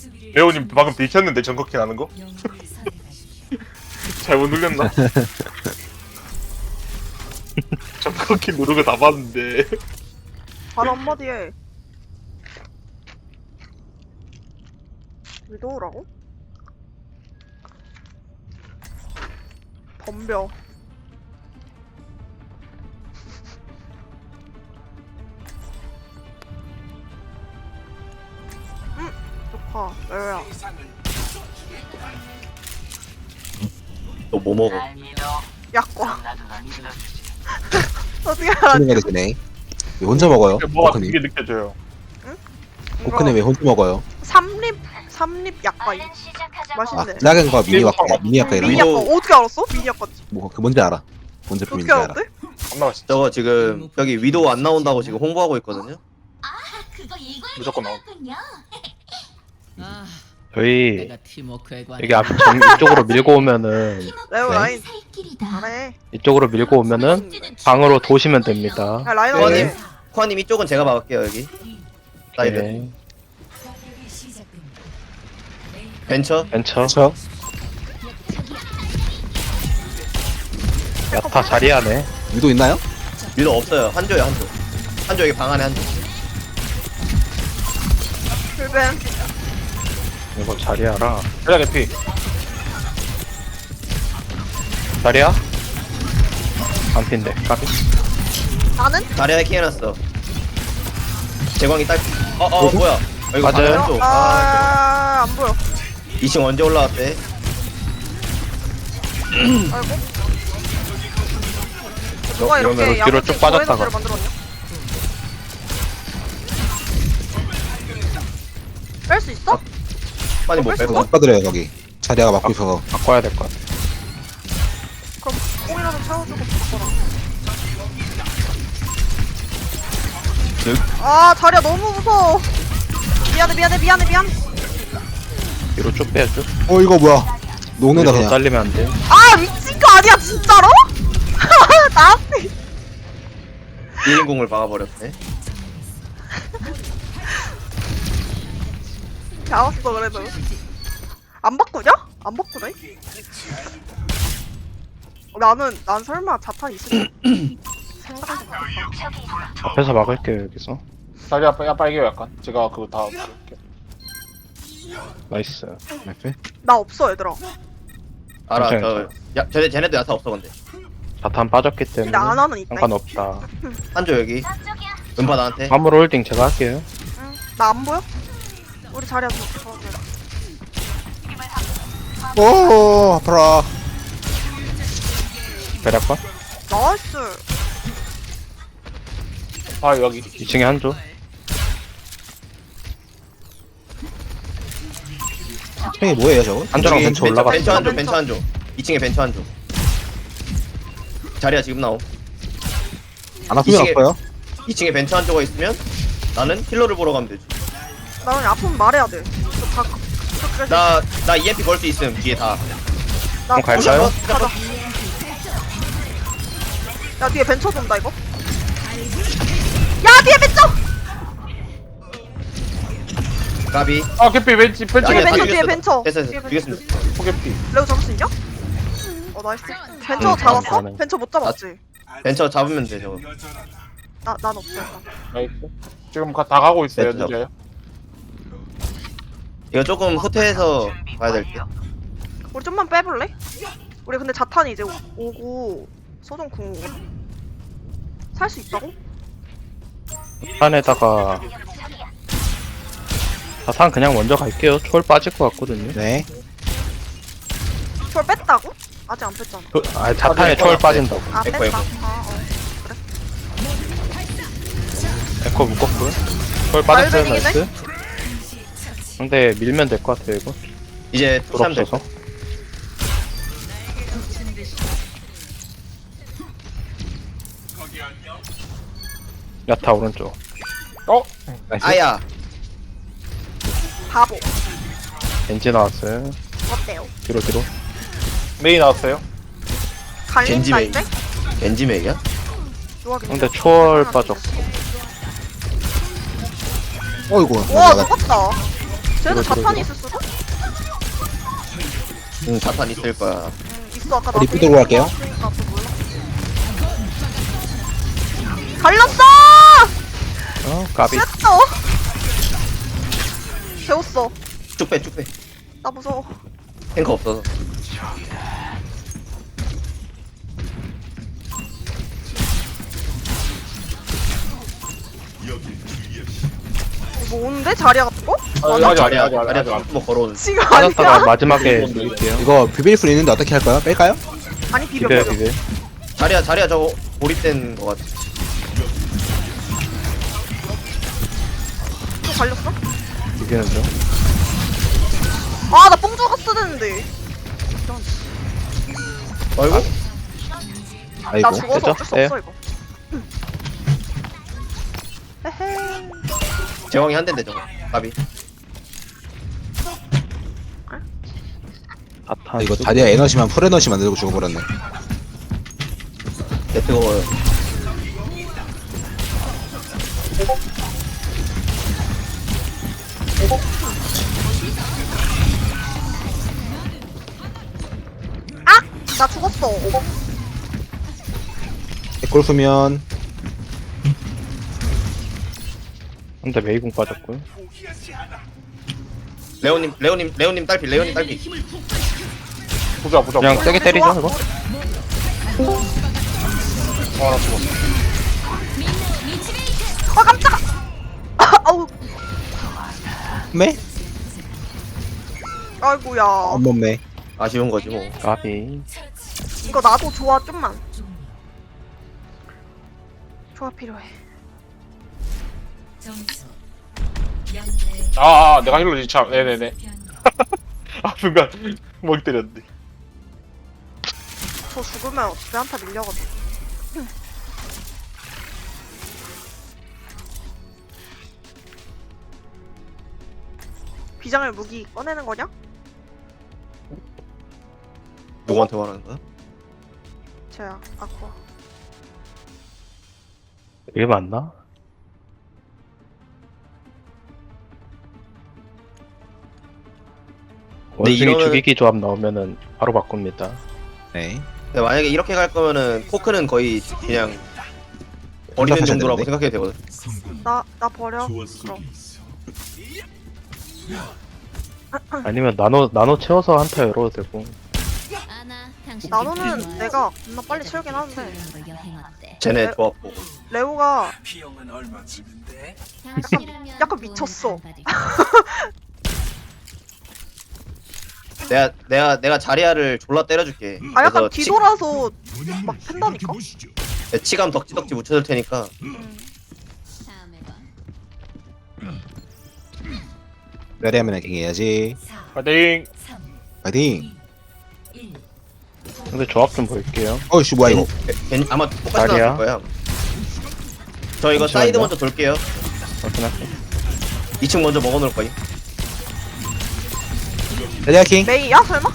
레오님 방금 비켰는데 정커킹 하는 거? 잘못 눌렸나? 정커킹 누르고 다 봤는데. 바로 한마디 해. 위도우라고? 덤벼. 좋다. 레오야. 너 뭐 먹어? 약과. 어떻게 알았지? 코크님 되네. 왜 혼자 먹어요? 뭐가 코크님. 되게 느껴져요. 코크님 왜 혼자 먹어요? 삼립 약과 아, 맛있네. 작은 거 미니 약과, 미니 약과 이런 미니 거? 약과 어떻게 알았어? 미니 약과지. 뭐, 그 뭔지 알아. 뭔 어떻게 제품인지 알아. 알았대? 겁나 맛있어. 저거 지금 여기 위도우 안 나온다고 지금 홍보하고 있거든요. 무조건 나온. 저희 내가 팀워크에 관해 여기 앞 이쪽으로 밀고 오면은 레오 네. 라인 잘해. 이쪽으로 밀고 오면은 방으로 도시면 됩니다. 야 라인 코아님, 어디? 코아님 이쪽은 제가 막을게요 여기. 사이드. 네. 벤처. 벤처. 저 야타 자리하네. 위도 있나요? 위도 없어요. 한조요 한조. 한조 여기 방 안에 한조. 불뱀. 이거 자리하라. 그냥 개피. 자리야? 반핀데 까비. 나는? 자리 해킹 해놨어. 재광이 딸. 뭐야? 이거 맞아요. 방에 한조. 안 보여. 2층 언제 올라왔대? 아이고. 누가 이러면 이렇게 뒤로 야무진 쭉 빠졌다가. 고해상태를 만들었냐? 뺄 수 있어? 빨리 못 벌써? 빼고. 못 받으래요, 거기. 자리아가 막고 있어서. 바꿔야 될 것 같아. 그럼 꽁이라도 채워주고 바꿔라. 아 자리야 너무 무서워. 미안해. 뒤로 쭉 빼요 쭉. 이거 뭐야. 녹는다, 뒤로 그냥. 잘리면 안 돼. 아 미친 거 아니야 진짜로? 나한테 1인공을 막아버렸네. 잡았어 그래도. 안 바꾸냐? 안 바꾸네? 난 설마 자탄 있을 생각하지 못했다. 앞에서 막을게요 여기서. 자리 아빠 빨개요 약간. 제가 그거 다 볼게요. 나이스. 나이스. 나 없어 얘들아. 알아. 괜찮아요. 쟤네도 야타 없어 근데. 자탄 빠졌기 때문에 근데 아나는 있다. 상관없다. 한조 여기. 은파 나한테. 화물 홀딩 제가 할게요. 응. 나 안 보여? 우리 자리야 저. 오, 아파라. 배략과 나이스. 아 여기. 2층에 한조. 형이 뭐예요, 저거? 한조랑 저기 벤처 올라갔어. 벤처 한조. 2층에 벤처 한조. 자리야 지금 나옴. 안 아프면 이층에- 아파요? 2층에 벤처 한조가 있으면 나는 힐러를 보러 가면 되지. 나 그냥 아프면 말해야 돼. 나 EMP 걸 수 있음 뒤에 다. 나 그럼 갈까요? 가자. 야 뒤에 벤처 돈다 이거. 야 뒤에 벤처. 가비. 아 개피 벤치 뒤에 아니야, 벤처 다 뒤에 죽였어. 벤처. 됐어 뒤에 벤처. 죽였습니다. 포개피. 레오 잡을 수 있냐? 나이스. 벤처 응, 잡았어? 가능. 벤처 못 잡았지? 벤처 잡으면 돼 저거. 난 없어 일단. 나이스. 지금 다 가고 있어요. 네, 늦어요. 이거 조금 후퇴해서 가야 될 듯. 우리 좀만 빼볼래? 우리 근데 자탄이 이제 오고 소정 궁 오고 살 수 있다고? 산에다가 자탄 그냥 먼저 갈게요. 초월 빠질 것 같거든요. 네. 저걸 뺐다고? 아직 안 뺐잖아. 자탄에 초월 빠진다고. 아 에코, 뺐다. 에코. 에코 묶었고요. 초월 빠졌어요. 말뱅이네? 나이스. 근데 밀면 될 것 같아요 이거. 이제 불 투삼 될 없어서. 거. 야타 오른쪽. 나이스. 아야. 바보. 겐지 나왔어요. 어때요? 뒤로. 메이 나왔어요. 갈린다 겐지메이. 이제? 겐지맥이야? 좋아 근데 초월 빠졌고. 어이구. 와 녹았다. 쟤도 자탄이 있을 수도? 응, 자탄 있을 거야. 있어 아까 나 리프 들고 갈게요. 그러니까 또 몰라. 갈렸어! 까비. 쎄어 재웠어. 쭉 빼, 쭉 빼. 나 무서워. 탱커 없어서. 뭐 오는데? 자리야 같은 거? 자리야, 아직. 자리야, 뭐 걸어오는. 지금 빠졌다가 아니야? 마지막에 누를게요. 이거 비빌 수 있는데 어떻게 할까요? 뺄까요? 아니 비벼 비벼 비벼. 비벼. 자리야, 저거 고립된 거 같아. 또 갈렸어? 비비는 중. 아 나 뽕 죽었어 됐는데. 아이고. 아이고. 나 죽어서 됐죠? 어쩔 수 네. 없어 이거. 헤헤. 제왕이 한 대인데, 저거. 까비. 자탄. 이거 다리아 에너지만 풀 에너지 만들고 죽어버렸네. 내 뜨거워요. 나 죽었어. 골프면 근데 메이공 빠졌고요. 레오님 딸피, 레오님 딸피. 보자. 그냥 세게 때리죠 이거. 나 죽었어. 아 깜짝아. 아우. 매? 아이고야. 엄몸매. 아쉬운 거지, 뭐. 까비. 이거 나도 좋아 좀만. 좋아 필요해. 내가 힐러지 참. 네네네. 아 순간 멍 때렸는데. 저 죽으면 어차피 한타 밀려거든. 비장의 무기 꺼내는 거냐? 누구한테 말하는 거야? 쟤야 아쿠아. 이게 맞나? 원숭이 이러면은- 죽이기 조합 나오면은 바로 바꿉니다. 네. 근데 만약에 이렇게 갈 거면은, 포크는 거의 그냥 버리는 생각하셔야 정도라고 되는데? 생각해도 되거든. 나 버려. 그럼. 아니면 나노 채워서 한타 열어도 되고. 나노는 내가 겁나 빨리 채우긴 하는데 쟤네 네. 좋았고. 레오가 비용은 얼마쯤인데? 약간 미쳤어. 내가 자리아를 졸라 때려줄게. 아 약간 그래서 뒤돌아서 막 팬다니까. 치감 덕지덕지 묻혀줄 테니까. 레리하면 해야지. 파이팅. 파이팅. 근데 조합 좀 볼게요. 어이씨 뭐야 이거. 아마 똑같이 자리야. 나왔을 거야. 저 이거 잠시만요. 사이드 먼저 돌게요. 확인할게. 2층 먼저 먹어놓을 거임. 레리아 킹. 메이야 설마?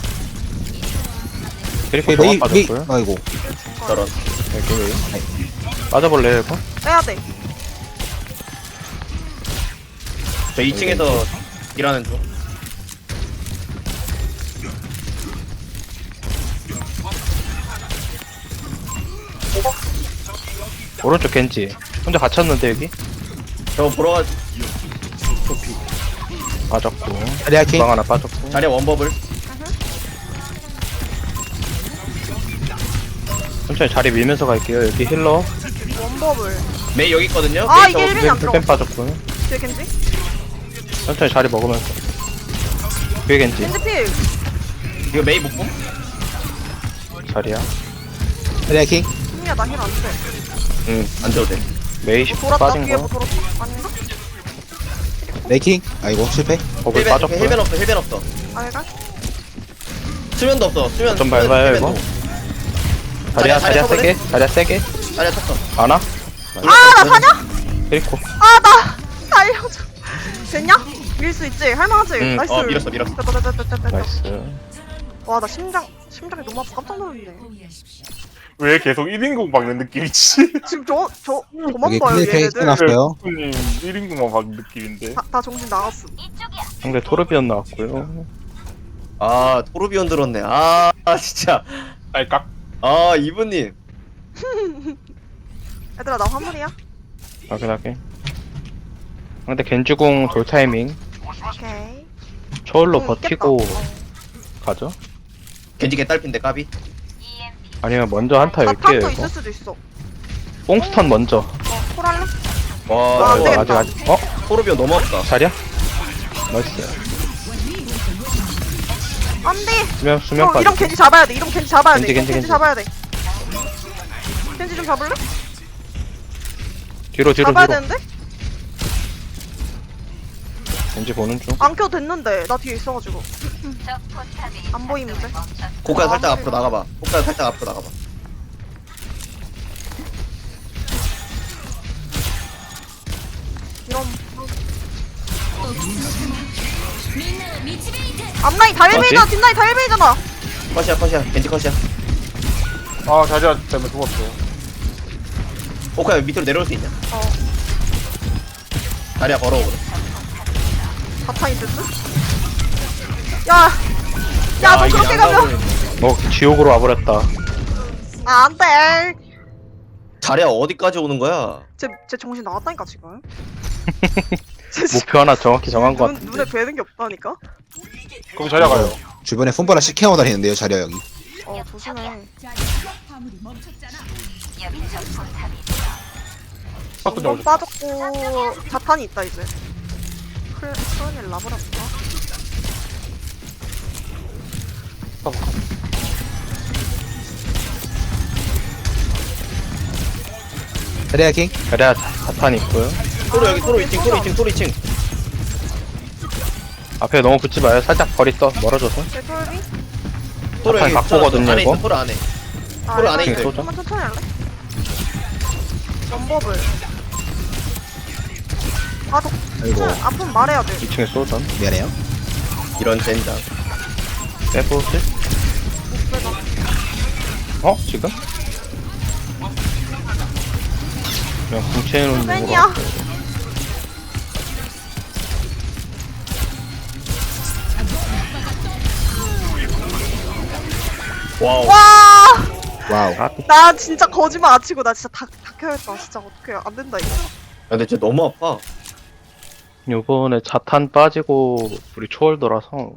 그리고 메이 조합 메이. 빠졌고요. 아이고. 저런. 여기 메이. 빠져볼래요 이거? 빼야 돼. 저 2층에서 일하는 중. 오른쪽 겐지. 혼자 갇혔는데 여기? 저거 보러 가. 빠졌고. 레리아 킹. 주방 하나 빠졌고. 자리아 원버블. 천천히 자리 밀면서 갈게요. 여기 힐러. 원버블. 메이 여기 있거든요. 아 메이 이게 저거 1벤이 안 들어. 힐 빠졌고요. 뒤에 겐지? 천천히 자리 먹으면서. 뒤에 겐지. 겐지 필. 이거 메이 못 봄? 자리야. 레리아 킹. 승리야 나 힐 안 돼. 응, 안 줘도 돼. 메이 뭐 10 돌았다 빠진 뒤에 뭐 거. 돌았다? 아닌가? 레이 킹. 아이고 실패. 버블 헬벤 빠졌고요. 없어, 헬벤 없어. 아이가? 수면도 없어, 수면. 좀 밟아요 이거. 자리야 자리야 세게. 자리야 세게. 자리야 쳤어. 안아? 아나 사냐? 그리고 아나 살려줘. 됐냐? 밀 수 있지? 할만하지? 응, 나이스. 밀었어. 됐다. 나이스. 와나 심장이 너무 아파 깜짝 놀랐네. 왜 계속 1인공 박는 느낌이지? 지금 저 여기 도망가요 클리페 얘네들. 끝났어요. 님 1인공만 박는 느낌인데. 다 정신 나갔어. 상대 토르비언 나왔고요. 아 토르비온 들었네. 아 진짜. 딸깍. 아 이분님. 얘들아 나 화물이야. 확인하게. 상대 겐지궁 돌 타이밍. 오케이. 초월로 공 있겠다. 버티고 어. 가죠. 겐지 개딸핀데 까비. 아니면 먼저 한타 나 열게요 탑도 이거. 있을 수도 있어. 뽕스턴 먼저. 콜할래? 와 안 이거 되겠다. 아직 어? 토르비온 너무 없다. 자리야? 나이스. 안돼. 수면 이런 빠지. 겐지 잡아야 돼. 이런 겐지 잡아야 돼. 겐지, 이런 겐지, 겐지 겐지. 잡아야 돼. 겐지 좀 잡을래? 뒤로 잡아야 되는데? 겐지 보는 중. 안 켜도 됐는데 나 뒤에 있어가지고 안 보이는데? 고카 살짝 앞으로 나가봐. 고카 살짝 앞으로 나가봐. 이런 앞라인 다 1베이잖아. 뭐지? 뒷라인 다 1베이잖아. 컷이야 겐지 컷이야. 아 자리야 때문에 죽었어. 고카 밑으로 내려올 수 있냐? 어 다리야 걸어오 그래. 자탄 있을 듯? 야너 이게 그렇게 양각을- 가면 지옥으로 와버렸다. 아 안돼. 다리야 어디까지 오는 거야? 쟤 정신 나갔다니까 지금. 쟤 목표 하나 정확히 정한 것 같은데. 눈에 뵈는 게 없다니까. 거기 자리야 가요. 주변에 폰바라 시켜오 다니는데요 자리야 여기. 조심해. 탑도 번 잡아줘. 빠졌고 자탄이 있다 이제. 클랜 라브라인가? 자리야 킹. 그래야 자탄 있고요. 토르 여기 토르 2층 토르 2층 토르 2층. 앞에 너무 붙지 마요. 살짝 거리 떠 멀어져서. 제 톨비? 토르 여기 바꾸거든요, 안에 이거. 있어 토르 안에. 아, 토르 안에 이거 있어요. 좀만 천천히 할래? 원법을. 아이고 아프면 말해야 돼. 2층에 쏘던. 미안해요. 이런 젠장. 빼보실? 목배가. 어? 지금? 그냥 궁채놓는 팬이야. 와우. 와! 와우. 나 진짜 거짓말 안 치고 나 진짜 다 켜야겠다. 진짜 어떡해. 안 된다 이거. 근데 진짜 너무 아파. 요번에 자탄 빠지고 우리 초월더라서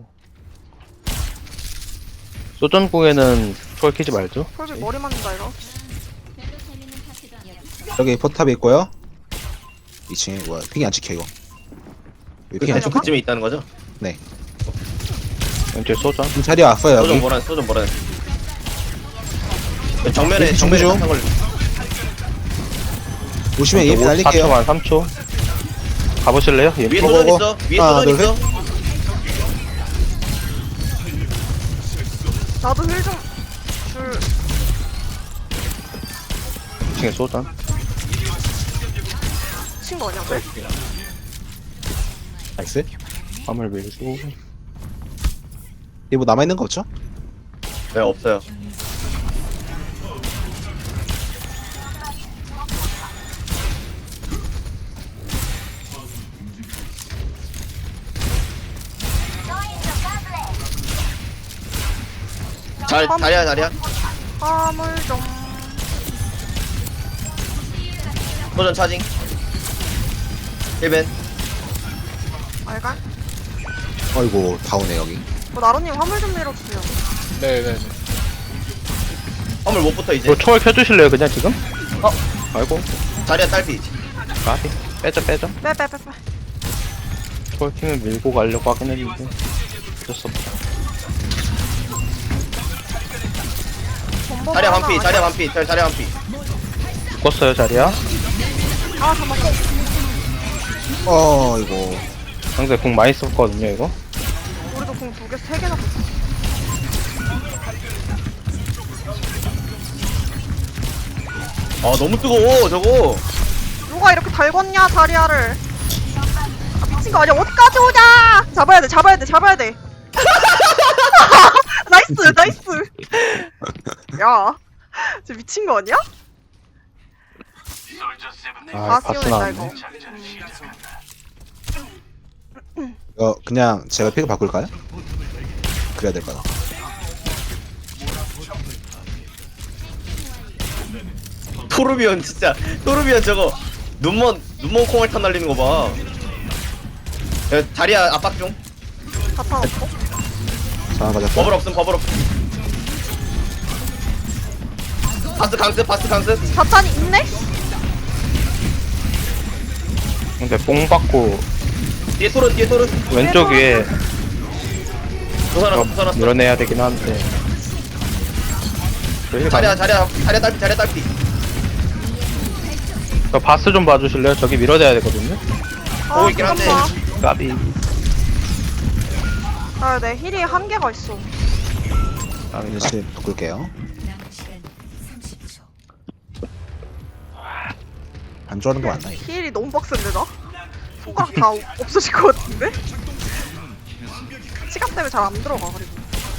소전궁에는 초월 키지 말죠. 톨비 머리 맞는다 이거. 여기 포탑이 있고요. 2층에 뭐야 핑이 안 찍혀 이거. 여기 핑이 안 대충 찍혀. 그쯤에 있다는 거죠? 왼쪽에 소전. 지금 자리 왔어요 소좀 여기. 뭐라 소좀 뭐라. 정면에 준비 정면에 중. 한걸 보시면 EMP 날릴게요. 4초만 3초. 가보실래요? 예. 위에 어, 소전 어, 있어. 위에 하나, 소전 둘, 있어. 나도 힐 좀 줄. 2층에 소전. 친구 아니야? 나이스. 화물 밀고. 이뭐 남아있는 거 없죠? 네 없어요. 자리야. 화물 좀. 소전 차징. 1벤. 알갈? 어이구 다 오네 여기. 나루님 화물 좀 밀어주세요. 네네. 화물 못 붙어 이제. 이거 초월 켜주실래요? 그냥 지금? 아이고. 자리야 딸피. 까비. 빼자. 빼. 초월 키면 밀고 가려고 하긴 했는데 어쩔 수 없다. 전복 자리야 하나 반피. 아니야? 자리야 반피. 자리야 반피. 죽었어요 자리야. 아 잠깐만. 이거 상대 궁 많이 썼거든요 이거. 우리도 공 2개, 3개나 붙어. 아 너무 뜨거워 저거. 누가 이렇게 달궜냐 다리아를. 아, 미친 거 아니야? 어디까지 오냐? 잡아야 돼. 나이스. 야, 저 미친 거 아니야? 아 바스 바스 다 씌워낸다 나왔네. 이거. 그냥 제가 픽을 바꿀까요? 그래야 될 거다. 토르비언 진짜 토르비언 저거 눈먼 콩알탄 날리는 거 봐. 야, 자리야 압박 중. 자탄 없고. 상황 가졌고. 버블 없음 버블 없음. 바스 강스. 자탄이 있네? 근데 뽕 받고 뒤에 토르. 왼쪽 위에 부서놨어. 밀어내야 되긴 한데. 자리야 딸피. 저 바스 좀 봐주실래요? 저기 밀어내야 되거든요. 보고 있긴 한데. 잠깐만. 까비. 아, 내 힐이 한계가 있어. 까비. 다시 바꿀게요. 안 좋아하는 거 맞나? 이거? 힐이 너무 빡센데, 나? 손가락 다 없어질 것 같은데? 시간 때문에 잘 안 들어가, 그리고.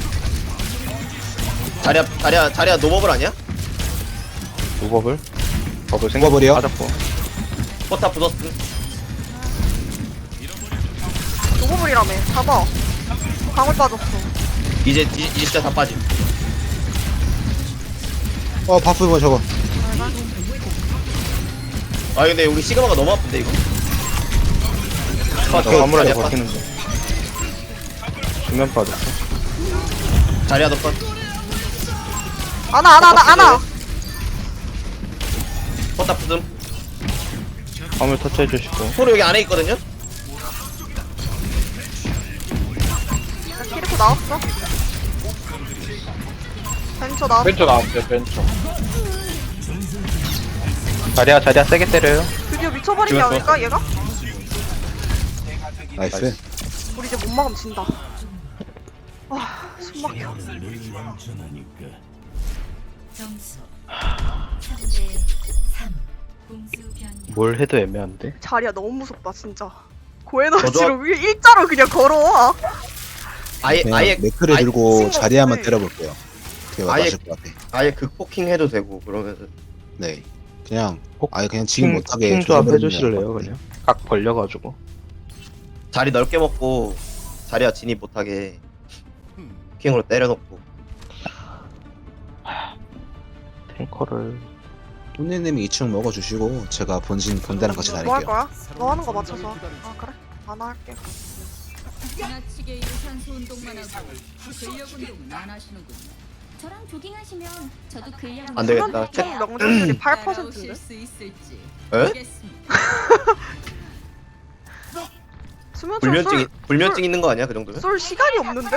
자리야 노버블 아니야? 노버블? 버블 생각 노버블이요? 맞았고. 포탑 부쉈음. 노고물이라며. 잡아. 방울 빠졌어. 이제 진짜 다 빠짐. 바프 뭐 저거. 아 근데 우리 시그마가 너무 아픈데 이거. 저 화물에 자리야 버티는데. 수면 빠졌어. 자리야 덕분. 안아. 포탑 부쉈음. 화물 터치해주시고. 토르 여기 안에 있거든요. 나 키리코 나왔어. 벤처 나왔어. 벤처 나왔어요 벤처. 자리야 세게 때려요. 드디어 미쳐버린 게 죽었어. 아닐까, 얘가? 나이스. 우리 이제 못 막으면 진다. 숨 막혀. 점수 3대 3 공수 변경. 뭘 해도 애매한데. 자리야 너무 무섭다, 진짜. 저도 고에너지로 일자로 그냥 걸어와. 그냥 아예 매크를 아예 들고 신고 자리 한번 없네. 때려볼게요. 그게 아예- 맞을 것 같아. 아예 극포킹 해도 되고 그러면은. 네. 그냥 꼭 아예 그냥 지금 못하게 킹 조합 조져버리면 해주실래요 될것 같아. 그냥? 각 벌려가지고. 자리 넓게 먹고 자리야 진입 못하게 킹으로 때려놓고. 탱커를 혼내님이 2층 먹어주시고 제가 본대랑 같이 뭐 할 다닐게요. 거야? 너 하는 거 맞춰서. 아, 그래? 안 할게. 지나치게 유산소 운동만 하고 근력 운동은 안 하시는군요. 저랑 조깅하시면 저도 근력 안 되겠다. 총 명중률이 8%인데? 따라오실 수 있을지 에? 보겠습니다. 수면총 불면증 있는 거 아니야 그 정도면? 쏠 시간이 없는데?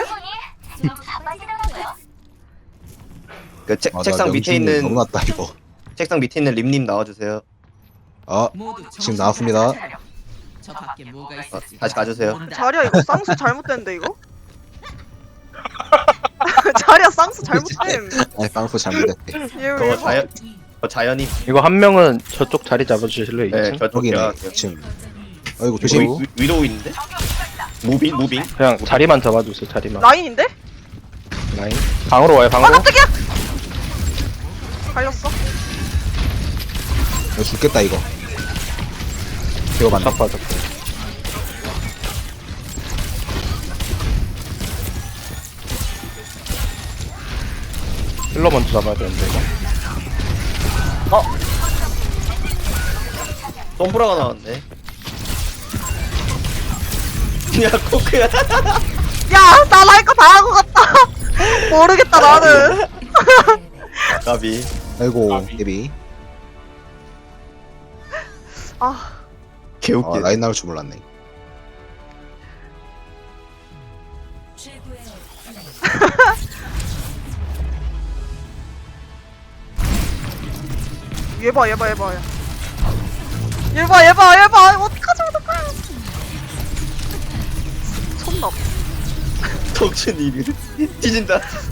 그 책상 밑에 명중률 있는 너무 낮다 이거. 책상 밑에 있는 림님 나와주세요. 지금 나왔습니다. 저 밖에 뭐가 있을지 다시 가주세요. 자리야 이거 쌍수 잘못됐는데 이거? 자리야 쌍수 잘못됨. 아니 빵프 잘못됐대. 얘 그거 왜? 자연이. 이거 한 명은 저쪽 자리 잡아주실래요? 네 2층? 저쪽 여기네. 들어갈게요. 지금. 아이고 조심. 위도우 있는데? 무빙? 그냥 자리만 잡아주세요. 자리만. 라인인데? 라인. 방으로 와요. 아 방으로. 깜짝이야! 갈렸어. 이거 죽겠다 이거. 이거 맞나? 싹 빠졌고. 힐러 먼저 잡아야 되는데 이거. 덤브라가 나왔네. 야 코크야. 야, 나 할 거 다 하고 갔다. 모르겠다 나는. 가비. 아이고 데비. 아, 개웃기. 라인 나올 줄 몰랐네. 최고의 얘 봐. 얘 봐. 어떡하지? 촌나. 덕춘이 뒤진다.